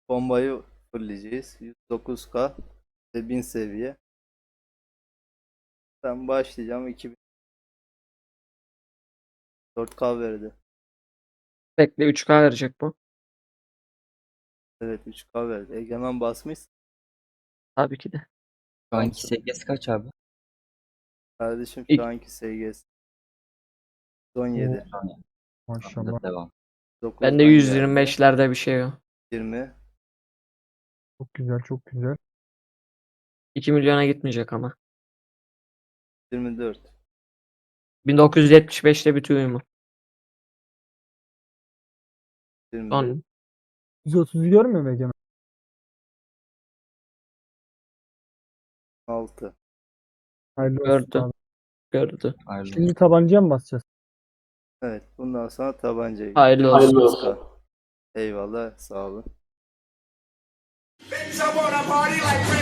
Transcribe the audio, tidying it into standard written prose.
Bombayı fulleyeceğiz. 109K ve 1000 seviye. Ben başlayacağım. 2004K verdi. Bekle 3K verecek bu. Evet 3K verdi. Egemen basmış. Tabii ki de. Şu anki Tamsın. seviyesi kaç abi? Kardeşim şu İlk, anki SGS 17. Tamam. Maşallah. Tamamdır, devam. bende 9'dan geldi. 125'lerde bir şey o. 20. Çok güzel, çok güzel. 2 milyona gitmeyecek ama. 24. 1975'te bitiyor mu? 24. Son 130'u görmüyor mu Egemen? 6. Hayırlı olsun gördü. abi. Gördü. Hayırlı Şimdi olsun. tabancaya mı basacağız? Evet. Bundan sonra tabancayı. Hayırlı olsun. 9K. Eyvallah. Sağ olun. Bitch, I wanna party like